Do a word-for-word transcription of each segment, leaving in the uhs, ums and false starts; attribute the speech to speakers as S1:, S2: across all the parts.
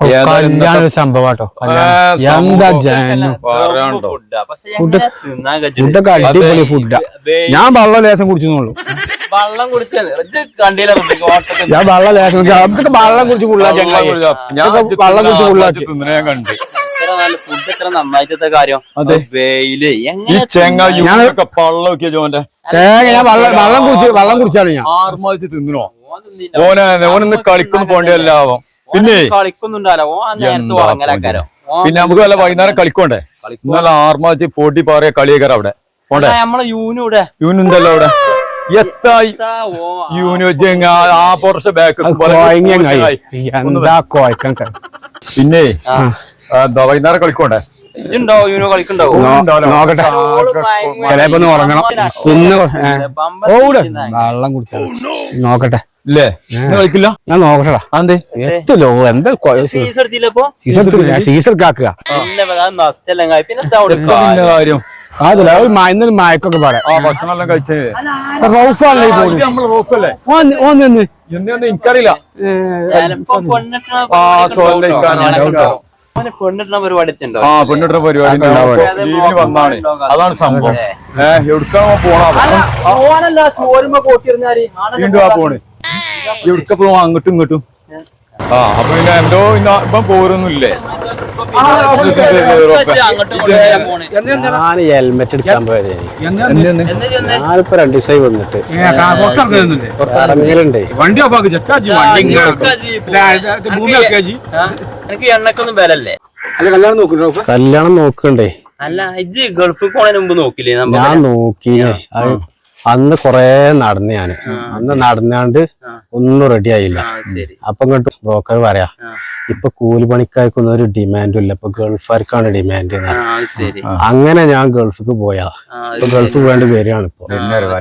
S1: സംഭവട്ടോ എന്താ ഫുഡൊക്കെ അടിപൊളി ഫുഡാ. ഞാൻ വെള്ളം ലേശം കുടിച്ചെന്നുള്ളൂ.
S2: വെള്ളം കുടിച്ചത്
S1: ഞാൻ വെള്ളം ലേശം അതൊക്കെ വെള്ളം കുടിച്ച് ഫുള്ളാ ചങ്ങായി. വെള്ളം കുടിച്ച് ഫുള്ളാക്കി
S3: ഞാൻ കണ്ട്
S2: ഫുഡ് എത്ര നന്നായിട്ടത്തെ കാര്യം. വെയില്
S3: ചെങ്ങൊക്കെ പള്ളൊക്കെ ജോന്റെ
S1: ഞാൻ വെള്ളം വെള്ളം കുടിച്ച് വെള്ളം കുടിച്ചാണ് ഞാൻ
S3: ആർമാതിച്ച് തിന്നണോ ഓനെ ഓനൊന്ന് കളിക്കൊന്നും പോണ്ടല്ലാവും. പിന്നെ
S2: കളിക്കുന്നുണ്ടല്ലോ ഉറങ്ങലാക്കാരോ.
S3: പിന്നെ നമുക്ക് വല്ല വൈകുന്നേരം കളിക്കോണ്ടേ. ഇന്നലെ ആർമാതിച്ച് പൊട്ടി പാറിയ കളിയേക്കാരം അവിടെ പോണ്ടേ.
S2: നമ്മളെ യൂനൂടെ
S3: യൂനുണ്ടല്ലോ അവിടെ എത്തായി യൂന് ആ പുറത്തെ ബാക്ക് പിന്നെ വൈകുന്നേരം കളിക്കോണ്ടേ.
S1: നോക്കട്ടെ ചിലപ്പോ ഉറങ്ങണം. പിന്നെ വെള്ളം കുടിച്ചാൽ നോക്കട്ടെ
S3: ഇല്ലേ കളിക്കില്ല.
S1: ഞാൻ നോക്കട്ടെടാ. അതെ എത്തല്ലോ എന്താ സീസൺ കാക്കുക
S3: കാര്യം
S1: അതല്ല ഇന്നലെ മയക്കൊക്കെ പറയാം.
S3: ഭക്ഷണം എല്ലാം കഴിച്ചേ എനിക്കറിയില്ല.
S2: പെണ്ണിട്ടുന്ന പരിപാടി
S3: ആ പെണ്ണിട്ടുന്ന പരിപാടി വന്നാണ്. അതാണ് സംഭവം. ഏഹ് എവിടുക്കാണോ പോണ പോണ് എവിടുക്ക പോവാ അങ്ങോട്ടും ഇങ്ങോട്ടും. ആ അപ്പൊ പിന്നെ എന്തോ ഇപ്പം പോരൊന്നുമില്ലേ.
S1: ഞാൻ ഹെൽമെറ്റ് എടുക്കാൻ പോയത് ഞാനിപ്പോ രണ്ടു ദിവസമായി വന്നിട്ട് ഇറങ്ങലുണ്ട്.
S3: വണ്ടി
S2: എണ്ണക്കൊന്നും വിലല്ലേ.
S1: കല്യാണം നോക്കണ്ടേ.
S2: അല്ല ഇത് ഗൾഫിൽ പോണതിന് മുമ്പ് നോക്കില്ലേ?
S1: ഞാൻ നോക്കി. അന്ന് കൊറേ നടന്ന് ഞാന് അന്ന് നടന്നാണ്ട് ഒന്നും റെഡി ആയില്ല. അപ്പൊ ഇങ്ങോട്ട് ബ്രോക്കർ പറയാ ഇപ്പൊ കൂലിപ്പണിക്കാർക്കൊന്നും ഒരു ഡിമാൻഡും ഇല്ല, ഇപ്പൊ ഗൾഫുകാർക്കാണ് ഡിമാൻഡ്. അങ്ങനെ ഞാൻ ഗൾഫിക്ക് പോയാ ഇപ്പൊ ഗൾഫ് വേണ്ടി വരികയാണ് ഇപ്പൊ.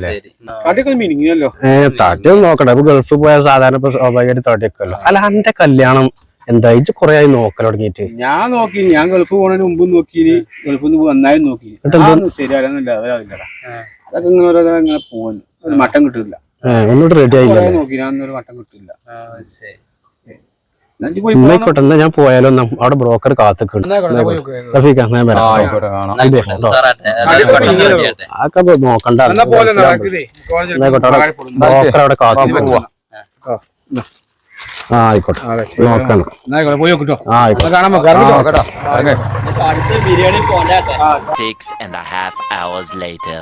S1: ഏഹ് തട്ടിയൊന്നും നോക്കട്ടെ. ഇപ്പൊ ഗൾഫിൽ പോയാൽ സാധാരണ ഇപ്പൊ സ്വാഭാവികമായിട്ട് തട്ടിയൊക്കെയല്ലോ. അല്ല എന്റെ കല്യാണം എന്താ ഇജ്ജ് കൊറേ ആയി നോക്കൽ തുടങ്ങിയിട്ട്?
S4: ഞാൻ നോക്കി, ഞാൻ ഗൾഫ് പോണതിന് മുമ്പ് നോക്കി, ഗൾഫിൽ നിന്ന് വന്നാലും നോക്കി. ശരിയാകുന്നില്ല, അതാവില്ലടാ. അതൊക്കെ ഇങ്ങനെ ഓരോ ഇങ്ങനെ പോകുന്നു. ഒരു മട്ടം കിട്ടില്ല.
S1: ഒന്നും റെഡി ആയില്ല.
S4: നോക്കി ഞാൻ ഒരു മട്ടം കിട്ടില്ല.
S1: എന്നായിക്കോട്ടെ, എന്നാ ഞാൻ പോയാലോ. അവിടെ ബ്രോക്കർ കാത്തിട്ടുണ്ട്. അതൊക്കെ നോക്കണ്ട. ബ്രോക്കർ അവിടെ കാത്തിട്ട് ആ ആയിക്കോട്ടെ നോക്കണം. ആ ആയിക്കോട്ടെ കാണാൻ
S5: Six and a half hours later.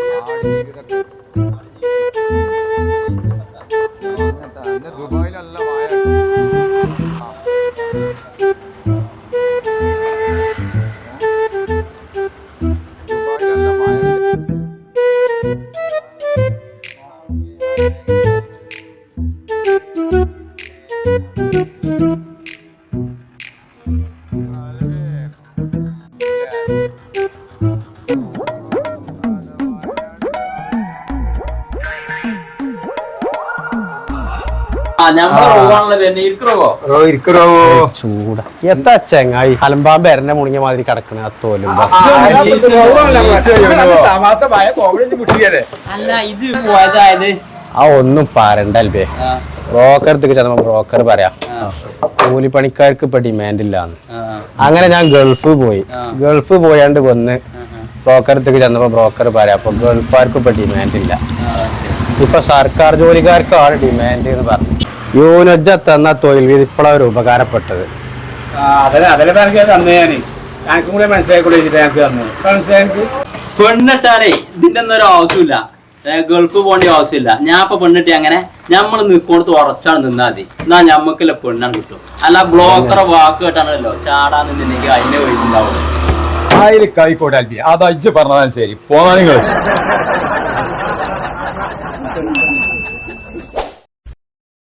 S1: ചൂടാ എത്താ ചങ്ങായി അലമ്പാമ്പ് എരനെ മുണിങ്ങിയ മാതിരി കിടക്കണ ആ തോലുമ്പോ. ആ ഒന്നും പറയണ്ടല്ലേ. ബ്രോക്കർക്ക് ചെന്നപ്പോ ബ്രോക്കർ പറയാ കൂലിപ്പണിക്കാർക്ക് ഇപ്പൊ ഡിമാൻഡ് ഇല്ലാന്ന്. അങ്ങനെ ഞാൻ ഗൾഫ് പോയി. ഗൾഫ് പോയാണ്ട് വന്ന് ബ്രോക്കർക്ക് ചെന്നപ്പോ ബ്രോക്കർ പറയാ അപ്പൊ ഗൾഫുകാർക്ക് ഇപ്പൊ ഡിമാൻഡ് ഇല്ല, ഇപ്പൊ സർക്കാർ ജോലിക്കാർക്കാണ് ഡിമാൻഡ് എന്ന് പറഞ്ഞു. യൂനജ തന്ന തൊഴിൽ വീതി ഇപ്പോഴാണ് ഒരു ഉപകാരപ്പെട്ടത്.
S2: പെണ്ണിട്ടാലേ ഇതിന്റെ ഒന്നും ഒരു ആവശ്യമില്ല, ഗൾഫ് പോകേണ്ട ആവശ്യമില്ല. ഞാൻ ഇപ്പൊ പെണ്ണിട്ടി അങ്ങനെ ഞമ്മള് നിൽക്കോടത്ത് ഉറച്ചാണ് നിന്നാ മതി. എന്നാ ഞമ്മക്കല്ല പെണ്ണാണ് കിട്ടും. അല്ല ബ്ലോക്കറെ വാക്ക് കേട്ടാണല്ലോ ചാടാൻ നിന്നെങ്കിൽ അതിന്റെ വഴിണ്ടാവും.
S3: ആയിക്കോട്ടെ അതാ ഇജ്ജ് പറഞ്ഞതാണ് ശരി. പോന്നാ നിങ്ങൾ